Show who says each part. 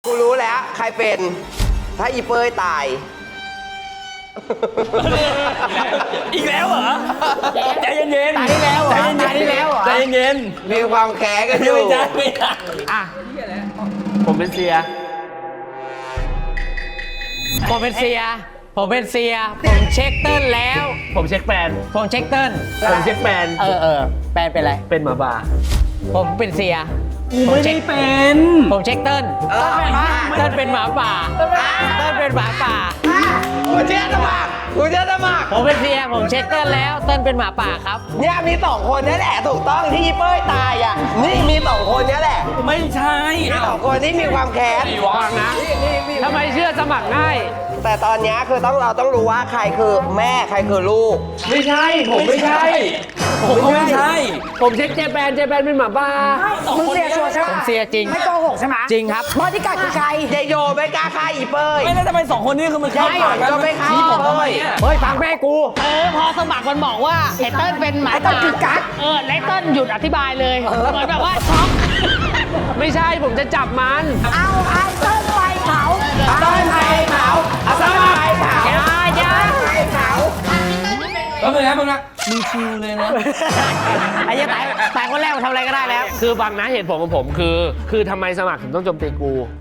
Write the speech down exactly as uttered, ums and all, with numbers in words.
Speaker 1: กูรู้แล้วใครเป็นถ้าอีเป้ยตาย
Speaker 2: อีกแล้วเหรอใจเย็นๆ
Speaker 3: ตายได้แล้วเหรอ
Speaker 2: ใจเย็นๆ
Speaker 3: ตายได้แล้วเหรอ
Speaker 2: ใจเย็น
Speaker 1: มีความแค้นกัน
Speaker 2: ๆ
Speaker 1: อยู่
Speaker 2: ไม่ใช่ไม่ใช่
Speaker 3: อ่ะ
Speaker 2: ผมเป็นเสีย
Speaker 3: ผมเป็นเซีย ผมเป็นเซีย ผมเช็คเติ้ลแล้ว
Speaker 2: ผมเช็คแฟน
Speaker 3: ผมเช็คเติ้ล
Speaker 2: ผมเช็คแฟน
Speaker 3: เออเออแปลเป็นอะไร
Speaker 2: เป็นหมาบ้า
Speaker 3: ผมเป็นเซีย
Speaker 2: ไม่ได้เป็น
Speaker 3: ผมเช็คเติ้ล
Speaker 1: เออ
Speaker 3: เติ้ลเป็นหมาป่า เติ้ลเป็นหมาป่า
Speaker 1: กูเชื่อสมัครกูเชื่อสมัคร
Speaker 3: ผมเป็นเซีย ผมเช็คเติ้ลแล้ว เติ้ลเป็นหมาป่าครับ
Speaker 1: เนี่ยมีสองคนนี่แหละถูกต้องที่อีเป้ยตายอ่ะนี่มีสองคนนี่แหละ
Speaker 2: ไม่ใช่
Speaker 1: มีสองคนที่มีความแค้น
Speaker 2: ฟังนะ
Speaker 3: ทำไมเชื่อสมัครง่าย
Speaker 1: แต่ตอนเนี้ยคือต้องเราต้องรู้ว่าใครคือแม่ใครคือลูก
Speaker 2: ไม่ใช่ ผมไม่ใช่ ผมก็ไม่ใช่
Speaker 3: ผมเช็คเจแปนเจแปนเป็นหมาป่า
Speaker 4: มึงเสียชัวร์ใช่ไหม
Speaker 3: ผมเสียจริง
Speaker 4: ไม่โกหกใช่ไหม
Speaker 3: จริงครับ
Speaker 4: บอดี้การ์ดคือใคร
Speaker 1: เจโยไม่กล้าฆ่าอีเป้ย
Speaker 2: ไม่แล้วทำไมสองคนนี้คือมันเข้า
Speaker 1: ใช่
Speaker 2: ปากกัน
Speaker 1: ก็ไม่เข้า
Speaker 2: ชี้ผมทำไมอะ
Speaker 3: เฮ้ยฟังแม่กู เออพอสมัครมันบอกว่าไอ้เติ้ลเป็นหมา
Speaker 4: ไอ้เติ้ล
Speaker 3: ป่า
Speaker 4: คือกั๊ก
Speaker 3: เออแล้วไอ้เติ้ลหยุดอธิบายเลยเหมือนแบบว่าช็อก ไม่ใช่ผมจะจับมัน
Speaker 4: เอาไอ้เติ้ลไปเผา
Speaker 1: ต้นไผ่เผาเอาต้นไผ่เผา
Speaker 3: อย่าอย่า
Speaker 1: ไผ่เผา
Speaker 2: แป๊บนึงนะแป๊บนึงนะมึงชิวเลยนะ
Speaker 3: ไอ้เหี้ยตายตายคนแรกมันทำอะไรก็ได้แล้ว
Speaker 5: คือบางนะเหตุผลของผมคือ คือทำไมสมัครถึงต้องโจมตีกู